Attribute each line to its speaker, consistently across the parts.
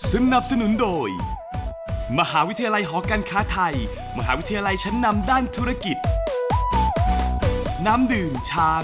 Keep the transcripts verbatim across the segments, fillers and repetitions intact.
Speaker 1: สนับสนุนโดยมหาวิทยาลัยหอการค้าไทยมหาวิทยาลัยชั้นนำด้านธุรกิจน้ำดื่มช้าง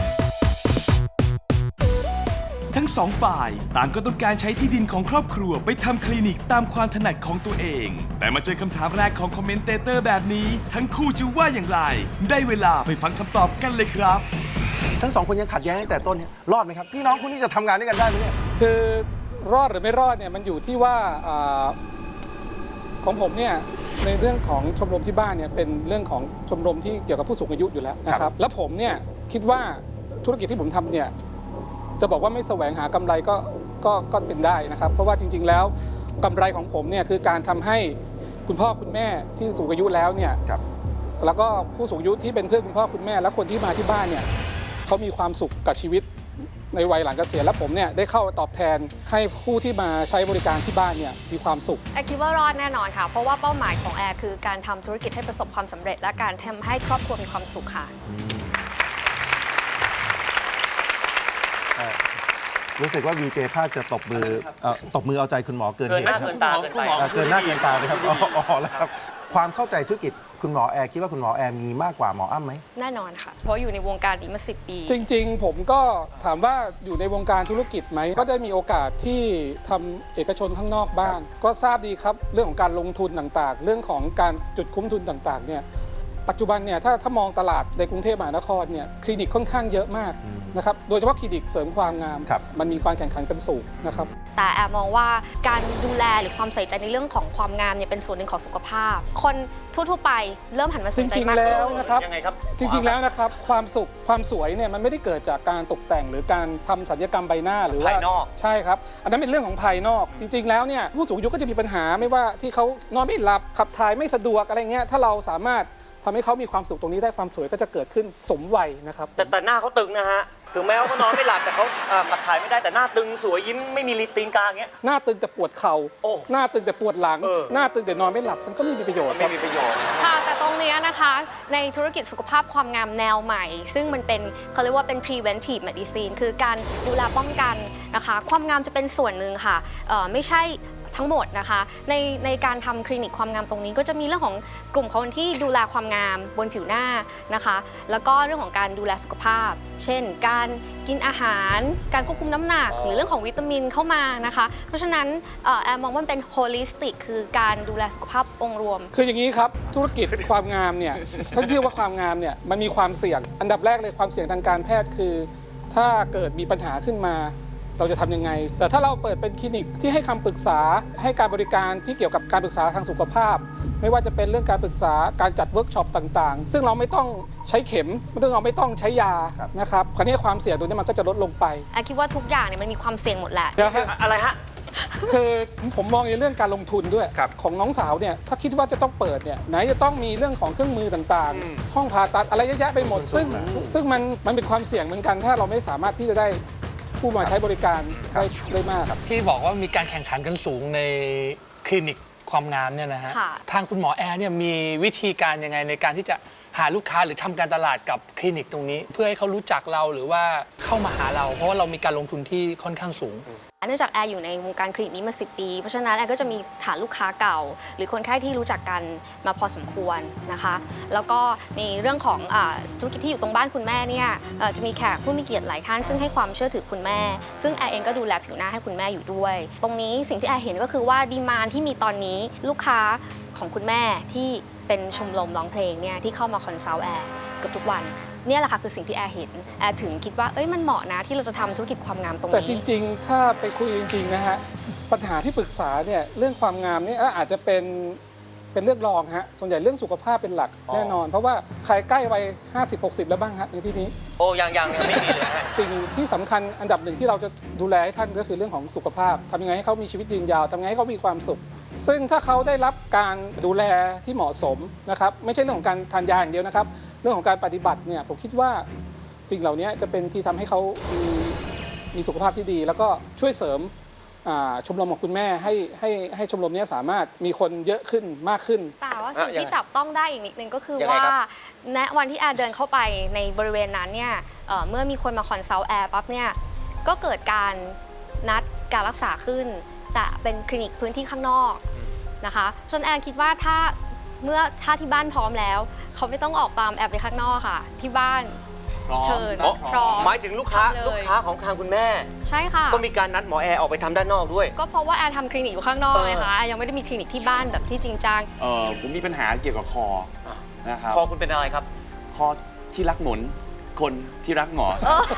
Speaker 1: ทั้งสองฝ่ายต่างก็ต้องการใช้ที่ดินของครอบครัวไปทำคลินิกตามความถนัดของตัวเองแต่มาเจอคำถามแรกของคอมเมนเตเตอร์แบบนี้ทั้งคู่จะว่าอย่างไรได้เวลาไปฟังคำตอบกันเลยครับ
Speaker 2: ทั้งสองคนยังขัดแย้งตั้งแต่ต้นเนี่ยรอดไหมครับพี่น้องคุณนี่จะทำงานด้วยกันได้ไหมเนี่ย
Speaker 3: คือรอดหรือไม่รอดเนี่ยมันอยู่ที่ว่าอาของผมเนี่ยในเรื่องของชมรมที่บ้านเนี่ยเป็นเรื่องของชมรมที่เกี่ยวกับผู้สูงอายุอยู่แล้วนะครับแล้วผมเนี่ยคิดว่าธุรกิจที่ผมทำเนี่ยจะบอกว่าไม่แสวงหากำไรก็ก็ก็เป็นได้นะครับเพราะว่าจริงๆแล้วกำไรของผมเนี่ยคือการทำให้คุณพ่อคุณแม่ที่สูงอายุแล้วเนี่ยแล้วก็ผู้สูงอายุที่เป็นเพื่อนคุณพ่อคุณแม่และคนที่มาที่บ้านเนี่ยเขามีความสุขกับชีวิตในวัยหลังเกษียณและผมเนี่ยได้เข้าตอบแทนให้ผู้ที่มาใช้บริการที่บ้านเนี่ยมีความสุข
Speaker 4: แอร์คิดว่ารอดแน่นอนค่ะเพราะว่าเป้าหมายของแอร์คือการทำธุรกิจให้ประสบความสำเร็จและการทำให้ครอบครัวมีความสุขค่ะ
Speaker 2: รู้สึกว่า วี เจ ภาคจะตบมือตบมือเอาใจคุณหมอเกิน
Speaker 5: เกินหน้า
Speaker 2: เหตุ
Speaker 5: เกินตาเกินไป
Speaker 2: เกินหน้าเกินตาเลยครับอ๋อแล้วครับความเข้าใจธุรกิจคุณหมอแอร์คิดว่าคุณหมอแอร์มีมากกว่าหมออ้ำไหม
Speaker 4: แน่นอนค่ะเพราะอยู่ในวงการนี้มาสิบปี
Speaker 3: จริงๆผมก็ถามว่าอยู่ในวงการธุรกิจไหมก็ได้มีโอกาสที่ทำเอกชนข้างนอกบ้างก็ทราบดีครับเรื่องของการลงทุนต่างๆเรื่องของการจุดคุ้มทุนต่างๆเนี่ยปัจจุบันเนี่ยถ้าถ้ามองตลาดในกรุงเทพมหานครเนี่ยคลินิกค่อนข้างเยอะมากนะครับโดยเฉพาะคลินิกเสริมความงามมันมีความแข่งขันกันสูงนะครับ
Speaker 4: แต่แอบมองว่าการดูแลหรือความใส่ใจในเรื่องของความงามเนี่ยเป็นส่วนหนึ่งของสุขภาพคนทั่วๆไปเริ่มหันมาสนใจมากขึ้น
Speaker 3: จริงๆแล้วนะครับ
Speaker 5: ยังไงครับ
Speaker 3: จริงๆแล้วนะครับความสุขความสวยเนี่ยมันไม่ได้เกิดจากการตกแต่งหรือการทำศัลยกรรมใบหน้าหรือว่า
Speaker 5: ภายนอก
Speaker 3: ใช่ครับอันนั้นเป็นเรื่องของภายนอกจริงๆแล้วเนี่ยผู้สูงอายุก็จะมีปัญหาไม่ว่าที่เขานอนไม่หลับขับถ่ายไม่สะดวกอะไรเงี้ยถ้าเราสามารถทำให้เขามีความสุขตรงนี้ได้ความสวยก็จะเกิดขึ้นสมวัยนะครับ
Speaker 5: แต่แต่หน้าเขาตึงนะฮะถึงแม้ว่าเขานอนไม่หลับแต่เขาขับถ่ายไม่ได้แต่หน้าตึงสวยยิ้มไม่มีรีตีนกลางเงี้ย
Speaker 3: หน้าตึงแต่ปวดเข่าหน้าตึงแต่ปวดหลังหน้าตึงแต่นอนไม่หลับมันก็ไม่มีประโยชน์
Speaker 5: ไม่มีประโยชน์
Speaker 4: ค่ะแต่ตรงนี้นะคะในธุรกิจสุขภาพความงามแนวใหม่ซึ่งมันเป็นเขาเรียกว่าเป็น preventive medicine คือการดูแลป้องกันนะคะความงามจะเป็นส่วนหนึ่งค่ะไม่ใช่ทั้งหมดนะคะในในการทำคลินิกความงามตรงนี้ก็จะมีเรื่องของกลุ่มคนที่ดูแลความงามบนผิวหน้านะคะแล้วก็เรื่องของการดูแลสุขภาพเช่นการกินอาหารการควบคุมน้ำหนักหรือเรื่องของวิตามินเข้ามานะคะเพราะฉะนั้นแอมมองว่ามันเป็น holistic คือการดูแลสุขภาพองค์รวม
Speaker 3: คืออย่างนี้ครับธุรกิจความงามเนี่ยท่านชื่อว่าความงามเนี่ยมันมีความเสี่ยงอันดับแรกเลยความเสี่ยงทางการแพทย์คือถ้าเกิดมีปัญหาขึ้นมาเราจะทำยังไงแต่ถ้าเราเปิดเป็นคลินิกที่ให้คำปรึกษาให้การบริการที่เกี่ยวกับการปรึกษาทางสุขภาพไม่ว่าจะเป็นเรื่องการปรึกษาการจัดเวิร์กช็อปต่างๆซึ่งเราไม่ต้องใช้เข็มซึ่งเราไม่ต้องใช้ยานะครับคราวนี้ความเสี่ยงตรงนี้มันก็จะลดลงไป
Speaker 4: แอคิดว่าทุกอย่างเนี่ยมันมีความเสี่ยงหมดแหละ
Speaker 5: อะไรฮะ
Speaker 3: คือผมมองในเรื่องการลงทุนด้วยของน้องสาวเนี่ยถ้าคิดว่าจะต้องเปิดเนี่ยไหนจะต้องมีเรื่องของเครื่องมือต่างๆห้องผ่าตัดอะไรเยอะแยะไปหมดซึ่งซึ่งมันมันเป็นความเสี่ยงเหมือนกันถ้าเราไม่สามารถที่จะได้ผู้มาใช้บริการได้ได้มากครับ
Speaker 6: ที่บอกว่ามีการแข่งขันกันสูงในคลินิกความงามเนี่ยนะฮะทางคุณหมอแอร์เนี่ยมีวิธีการยังไงในการที่จะหาลูกค้าหรือทำการตลาดกับคลินิกตรงนี้เพื่อให้เขารู้จักเราหรือว่าเข้ามาหาเราเพราะว่าเรามีการลงทุนที่ค่อนข้างสูง
Speaker 4: เนื่องจากแอร์อยู่ในวงการคลินิกนี้มาสิบปีเพราะฉะนั้นแอร์ก็จะมีฐานลูกค้าเก่าหรือคนไข้ที่รู้จักกันมาพอสมควรนะคะแล้วก็ในเรื่องของธุรกิจที่อยู่ตรงบ้านคุณแม่เนี่ยจะมีแขกผู้มีเกียรติหลายท่านซึ่งให้ความเชื่อถือคุณแม่ซึ่งแอร์เองก็ดูแลผิวหน้าให้คุณแม่อยู่ด้วยตรงนี้สิ่งที่แอร์เห็นก็คือว่าดีมานด์ที่มีตอนนี้ลูกค้าของคุณแม่ที่เป็นชมรมร้องเพลงเนี่ยที่เข้ามาคอนซัลท์แอร์เกือบทุกวันเนี่ยแหละค่ะคือสิ่งที่แอร์เห็นแอร์ถึงคิดว่าเอ้ยมันเหมาะนะที่เราจะทำธุรกิจความงามตรงนี้
Speaker 3: แต่จริงๆถ้าไปคุยจริงๆนะฮะปัญหาที่ปรึกษาเนี่ยเรื่องความงามนี่อาจจะเป็นเป็นเรื่องรองฮะส่วนใหญ่เรื่องสุขภาพเป็นหลักแน่นอนเพราะว่าใครใกล้วัยห้าสิบ หกสิบแล้วบ้างฮะในที่นี้
Speaker 5: โอ้ยังยังยังไม่มีเลยฮะ
Speaker 3: สิ่งที่สำคัญอันดับหนึ่งที่เราจะดูแลให้ท่านก็คือเรื่องของสุขภาพทำยังไงให้เขามีชีวิตยืนยาวทำยังไงให้เขามีความสุขซึ่งถ้าเขาได้รับการดูแลที่เหมาะสมนะครับไม่ใช่เรื่องของการทานยาอย่างเดียวนะครับเรื่องของการปฏิบัติเนี่ยผมคิดว่าสิ่งเหล่านี้จะเป็นที่ทำให้เขามีมีสุขภาพที่ดีแล้วก็ช่วยเสริมชมรมของคุณแม่ให้ให้ให้ชมรมนี้สามารถมีคนเยอะขึ้นมากขึ้น
Speaker 4: แต่ว่าสิ่งที่จับต้องได้อีกนิดนึงก็คือว่าณวันที่แอร์เดินเข้าไปในบริเวณนั้นเนี่ยเมื่อมีคนมาคอนซัลท์แอร์ปั๊บเนี่ยก็เกิดการนัดการรักษาขึ้นแต่เป็นคลินิกพื้นที่ข้างนอกนะคะส่วนแอนคิดว่าถ้าเมื่อถ้าที่บ้านพร้อมแล้ว เขาไม่ต้องออกตามแอบไปข้างนอกค่ะ ที่บ้านเชิญพร้อม
Speaker 5: หมายถึงลูกค้า
Speaker 4: ทำเลย
Speaker 5: ลูกค้าของทางคุณแม่
Speaker 4: ใช่ค่ะ
Speaker 5: ก็มีการนัดหมอแอร์ออกไปทำด้านนอกด้วย
Speaker 4: ก็เพราะว่าแอนทำคลินิกอยู่ข้างนอก
Speaker 5: เออ
Speaker 4: ไงคะแอนยังไม่ได้มีคลินิกที่บ้านแบบที่จริงจัง
Speaker 7: เออผมมีปัญหาเกี่ยวกับคอนะครับ
Speaker 5: คอคุณเป็นอะไรครับ
Speaker 7: คอที่รักหมุน คนที่รักหมอ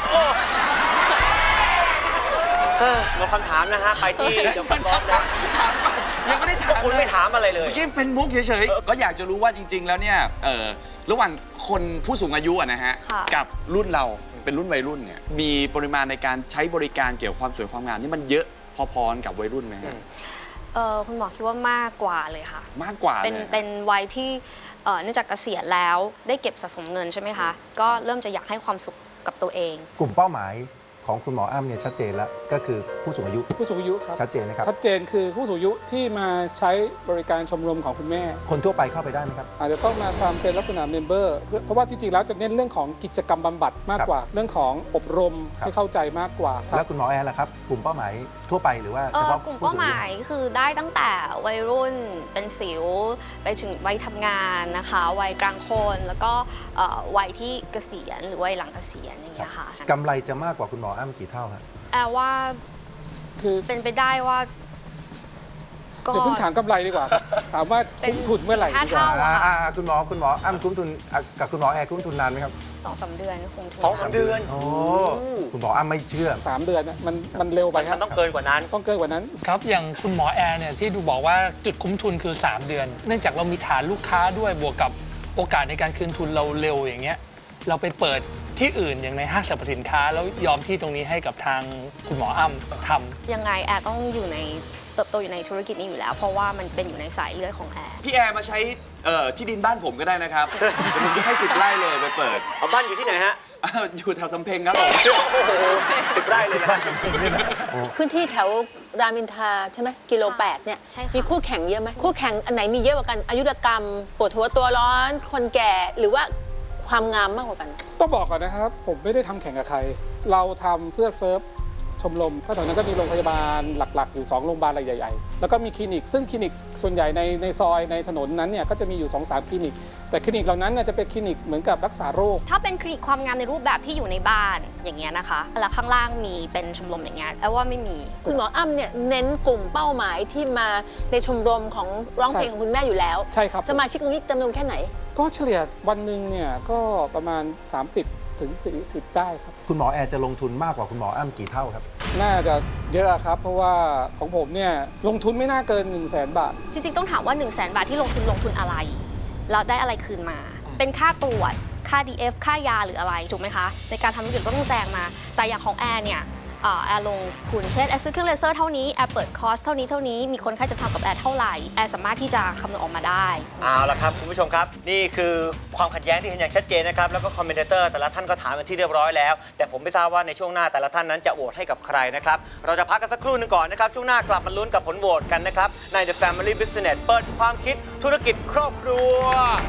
Speaker 5: เออหมดคำถามนะฮะ ไปที่เดี๋ยวคุณบอสนะ
Speaker 7: ยังไม่ได้ถาม
Speaker 5: คุณไม่ถามอะไรเลย
Speaker 7: เมื่อกี้เป็นมุกเฉยๆ ก็อยากจะรู้ว่าจริง ๆ แล้วเนี่ยเออระหว่างคนผู้สูงอายุอะนะฮะ
Speaker 4: ค่ะ
Speaker 7: กับรุ่นเราเป็นรุ่นวัยรุ่นเนี่ยมีปริมาณในการใช้บริการเกี่ยวกับความสวยความงามนี่มันเยอะพอๆกับวัยรุ่นไหมฮะ
Speaker 4: เออคุณหมอคิดว่ามากกว่าเลยค่ะ
Speaker 7: มากกว่า
Speaker 4: เป็น
Speaker 7: เลย
Speaker 4: เป็นวัยที่เอ่อเนื่องจากเกษียณแล้วได้เก็บสะสมเงินใช่ไหมคะ ก็เริ่มจะอยากให้ความสุขกับตัวเอง
Speaker 2: กลุ่มเป้าหมายของคุณหมออ้ำเนี่ยชัดเจนแล้วก็คือผู้สูงอายุ
Speaker 3: ผู้สูงอายุครับ
Speaker 2: ชัดเจนนะครับ
Speaker 3: ชัดเจนคือผู้สูงอายุที่มาใช้บริการชมรมของคุณแม่
Speaker 2: คนทั่วไปเข้าไปได้ไหมครับ
Speaker 3: อาจจะต้องมาทำเป็นลักษณะเมมเบอร์เพราะว่าจริงๆแล้วจะเน้นเรื่องของกิจกรรมบำบัดมากกว่า เรื่องของอบรม
Speaker 2: ครับ
Speaker 3: ให้เข้าใจมากกว่าครับ
Speaker 2: แล้วคุณหมอแอร์ล่ะครับ กลุ่มเป้าหมายทั่วไปหรือว่า
Speaker 4: เอ
Speaker 2: เฉ
Speaker 4: อ
Speaker 2: พาะ
Speaker 4: กลุ่ม
Speaker 2: ผู้
Speaker 4: เป้า
Speaker 2: สูง
Speaker 4: ห
Speaker 2: อายุ
Speaker 4: มายคือได้ตั้งแต่วัยรุ่นเป็นสิวไปถึงวัยทำงานนะคะ วัยกลางคนแล้วก็เอ่อวัยที่เกษียณหรือวัยหลังเกษียณอย่างเงี้ยค่ะ
Speaker 2: กำไรจะมากกว่าคุณหมออ้ำกี่เท่าครับ
Speaker 4: แอลว่า
Speaker 3: คือ
Speaker 4: เป็นไปได้ว่าก็
Speaker 3: เดี๋ยวเพิ่งถามกำไรดีกว่าครับถามว่า
Speaker 4: เป็น
Speaker 3: คุ้มทุนเมื่อไหร่
Speaker 4: สี่ห้า
Speaker 3: ดีกว่า
Speaker 4: เท่า
Speaker 2: อ่าอ่าคุณหมอคุณหมออ้ำคุ้มทุนอ่ะกับคุณหมอแอร์คุ้มทุนนานไหมครับ
Speaker 4: สองสามเดือนคงถึง
Speaker 5: สองสามเดือน
Speaker 2: โอ้คุณหมออ้ำไม่เชื่อ
Speaker 3: สามเดือนน่ะมันมันเร็วไป
Speaker 5: มัน
Speaker 3: ครับ
Speaker 5: ต้องเกินกว่านั้น
Speaker 3: ต้องเกินกว่านั้น
Speaker 6: ครับอย่างคุณหมอแอร์เนี่ยที่ดูบอกว่าจุดคุ้มทุนคือ สาม เดือน เนื่องจากเรามีฐานลูกค้าด้วยบวกกับโอกาสในการคืนทุนเราเร็วอย่างเงี้ยเราไปเปิดที่อื่นอย่างในห้างสรรพสินค้า แล้วยอมที่ตรงนี้ให้กับทางคุณหมออ้ำทำ
Speaker 4: ยังไงแอร์ต้องอยู่ในเติบโตอยู่ในธุรกิจนี้อยู่แล้ว เพราะว่ามันเป็นอยู่ในสายเลือดของแอร์
Speaker 7: พี่แอร์มาใช้เอ่อที่ดินบ้านผมก็ได้นะครับ เดี๋ยวผมจะให้สิบไร่เลยไปเปิด
Speaker 5: เอาบ้านอยู่ที่ไหนฮะ
Speaker 7: อ้าวอยู่แถวสำเพ็งครับผม
Speaker 5: โอ้โหสิบไร่เลยนะ
Speaker 8: พื้นที่แถวรามอินทราใช่ไหมกิโลแปดเนี่ย
Speaker 4: ใช่ค่ะ
Speaker 8: มีคู่แข่งเยอะไหมคู่แข่งอันไหนมีเยอะกว่ากันอายุรกรรมปวดหัวตัวร้อน คนแก่หรือว่าความงามมากกว่ากัน
Speaker 3: ต้องบอกก่อนนะครับ ผมไม่ได้ทำแข่งกับใคร เราทำเพื่อเซิร์ฟชมรมถ้าแถวนั้นก็มีโรงพยาบาลหลักๆ อยู่ สอง โรงพยาบาลใหญ่ๆ แล้วก็มีคลินิก ซึ่งคลินิกส่วนใหญ่ในในซอยในถนนนั้นเนี่ยก็จะมีอยู่ สองสาม คลินิก แต่คลินิกเหล่านั้นน่ะจะเป็นคลินิกเหมือนกับรักษาโรค
Speaker 4: ถ้าเป็นคลินิกความงามในรูปแบบที่อยู่ในบ้านอย่างเงี้ยนะคะแล้วข้างล่างมีเป็นชมรมอย่างเงี้ยแอลว่าไม่มี
Speaker 8: คุณหมออ้ำเนี่ยเน้นกลุ่มเป้าหมายที่มาในชมรมของร้องเพลงของคุณแม่อยู่แล้ว
Speaker 3: ใช่ครับ
Speaker 8: สมาชิกตรงนี้จำนวนแค่ไหน
Speaker 3: ก็เฉลี่ยวันหนึ่งเนี่ยก็ประมาณ สามสิบ ถึง สี่สิบ ได้ครับ
Speaker 2: คุณหมอแอร์จะลงทุนมากกว่าคุณหมออ้ำกี่เท่าครับ
Speaker 3: น่าจะเยอะครับ เพราะว่าของผมเนี่ยลงทุนไม่น่าเกิน 1 0 0 0 0แสนบาท
Speaker 4: จริงๆ ต้องถามว่า 1 0 0 0 0แสนบาทที่ลงทุนลงทุนอะไร แล้วได้อะไรคืนมา เป็นค่าตรวจ ค่า ดี เอฟ ค่ายาหรืออะไร ถูกไหมคะ ในการทำธุรกิจก็ต้องแจงมา แต่อย่างของแอร์เนี่ยเอ่อแอร์ลงทุนเช่นแอร์ซื้อเครื่องเลเซอร์เท่านี้ แอร์เปิดคอร์สเท่านี้เท่านี้ มีคนไข้จะทำกับแอร์เท่าไหร่ แอร์สามารถที่จะคำนวณออกมาได้
Speaker 5: เอาละครับคุณผู้ชมครับ นี่คือความขัดแย้งที่เห็นอย่างชัดเจนนะครับ แล้วก็คอมเมนเตอร์แต่ละท่านก็ถามเป็นที่เรียบร้อยแล้ว แต่ผมไม่ทราบว่าในช่วงหน้าแต่ละท่านนั้นจะโหวตให้กับใครนะครับ เราจะพักกันสักครู่หนึงก่อนนะครับ ช่วงหน้ากลับมาลุ้นกับผลโหวตกันนะครับ ใน The Family Business เปิดความคิดธุรกิจครอบครัว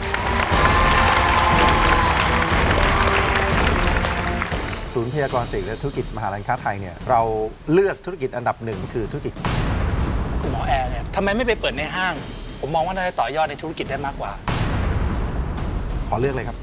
Speaker 2: ศูนย์พยากรณ์เศรษฐกิจและธุรกิจมหาลัยค้าไทยเนี่ยเราเลือกธุรกิจอันดับหนึ่งคือธุรกิจ
Speaker 6: คุณหมอแอร์เนี่ยทำไมไม่ไปเปิดในห้าง ผมมองว่าน่าจะต่อยอดในธุรกิจได้มากกว่า
Speaker 2: ขอเลือกเลยครับ